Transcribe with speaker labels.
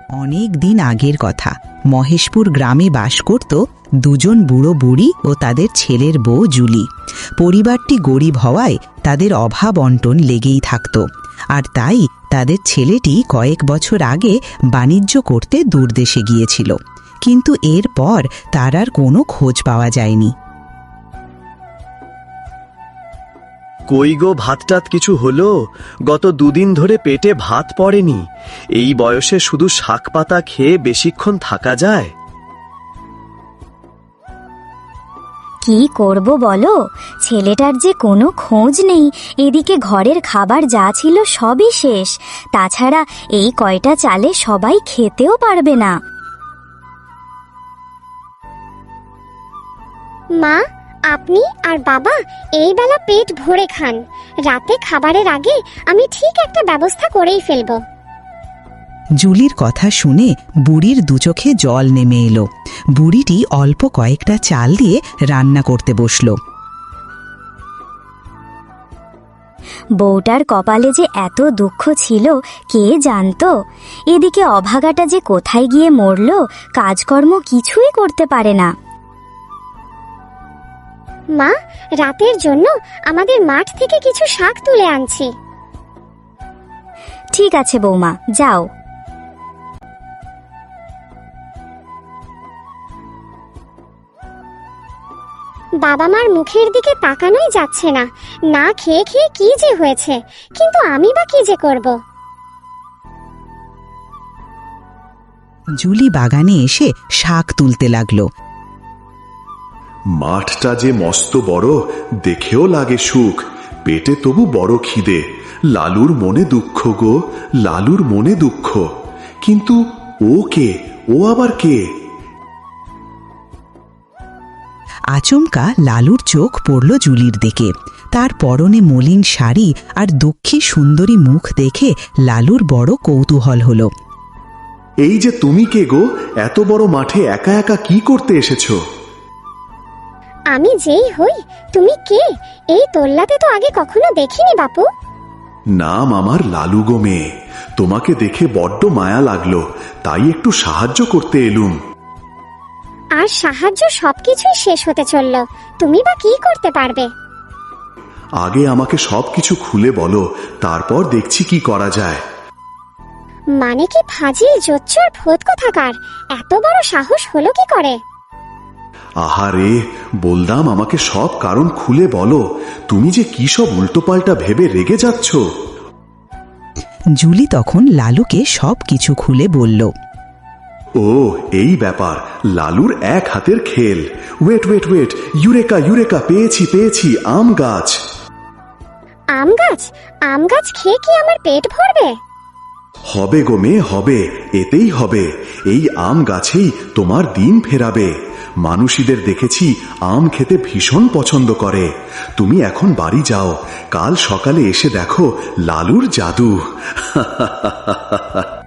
Speaker 1: অনেক দিন আগের কথা। মহেশপুর গ্রামে বাস করত দুজন বুড়ো বুড়ি ও তাদের ছেলের বউ জুলি। পরিবারটি গরিব হওয়ায় তাদের অভাব অন্টন লেগেই থাকত, আর তাই তাদের ছেলেটি কয়েক বছর আগে বাণিজ্য করতে দূরদেশে গিয়েছিল, কিন্তু এরপর তার আর কোনো খোঁজ পাওয়া যায়নি।
Speaker 2: কই গো, ভাতটাত কিছু হলো? গত দুদিন ধরে পেটে ভাত পড়েনি। এই বয়সে শুধু শাক পাতা খেয়ে বেশিক্ষণ থাকা যায়?
Speaker 3: কি করব বলো, ছেলেটার যে কোনো খোঁজ নেই। এদিকে ঘরের খাবার যা ছিল সবই শেষ, তাছাড়া এই কয়টা চালে সবাই খেতেও পারবে না।
Speaker 4: মা, আপনি আর বাবা এই বেলা পেট ভরে খান। রাতে খাবারের আগে আমি ঠিক একটা ব্যবস্থা করেই ফেলবো।
Speaker 1: জুলির কথা শুনে বুড়ির দুচোখে জল নেমে এলো। বুড়িটি অল্প কয়েকটা চাল দিয়ে রান্না করতে বসল।
Speaker 3: বউটার কপালে যে এত দুঃখ ছিল কে জানতো। এদিকে অভাগাটা যে কোথায় গিয়ে মরল, কাজকর্ম কিছুই করতে পারে না।
Speaker 4: মা, রাতের জন্য আমাদের মাঠ থেকে কিছু শাক তুলে আনছি।
Speaker 3: ঠিক আছে বৌমা, যাও।
Speaker 4: বাবা মার মুখের দিকে তাকানোই যাচ্ছে না। না খেয়ে খেয়ে কি যে হয়েছে, কিন্তু আমি বা কি যে করব।
Speaker 1: জুলি বাগানে এসে শাক তুলতে লাগলো।
Speaker 5: মাঠটা যে মস্ত বড়, দেখেও লাগে সুখ, পেটে তবু বড় খিদে। লালুর মনে দুঃখ গো, লালুর মনে দুঃখ। কিন্তু ও কে? ও আবার কে?
Speaker 1: আচমকা লালুর চোখ পড়ল জুলির দিকে। তার পরনে মলিন শাড়ি আর দুঃখী সুন্দরী মুখ দেখে লালুর বড় কৌতূহল হলো।
Speaker 5: এই যে তুমি কে গো? এত বড় মাঠে একা একা কি করতে এসেছো?
Speaker 4: আমি যেই হই, তুমি কে? এই তোল্লাতে তো আগে কখনো দেখিনি বাপু।
Speaker 5: নাম আমার লালু গো মেয়ে। তোমাকে দেখে বড্ড মায়া লাগলো, তাই একটু সাহায্য করতে এলুম।
Speaker 4: আর সাহায্য সবকিছুই শেষ হতে চলল, তুমি বা কি করতে পারবে?
Speaker 5: আগে আমাকে সবকিছু খুলে বলো, তারপর দেখছি কি করা যায়।
Speaker 4: মানে কি ফাজিল জোচ্চর ভূত কোথাকার, এত বড় সাহস হলো কি করে?
Speaker 5: আহারে, বলদাম আমাকে সব কারণ খুলে বলো। তুমি যে কি সব উল্টোপাল্টা ভেবে রেগে যাচ্ছ।
Speaker 1: জুলি তখন লালুকে সব কিছু খুলে বলল।
Speaker 5: ও এই ব্যাপার, লালুর এক হাতের খেল। Wait wait wait, eureka eureka, পেয়েছি পেয়েছি, আম গাছ।
Speaker 4: আম গাছ? আম গাছ খেয়ে কি আমার পেট ভরবে?
Speaker 5: হবে গো মেয়ে, হবে, এতেই হবে। এই আম গাছেই তোমার দিন ফেরাবে। মানুষীদের দেখেছি আম খেতে ভীষণ পছন্দ করে। তুমি এখন বাড়ি যাও, কাল সকালে এসে দেখো লালুর জাদু।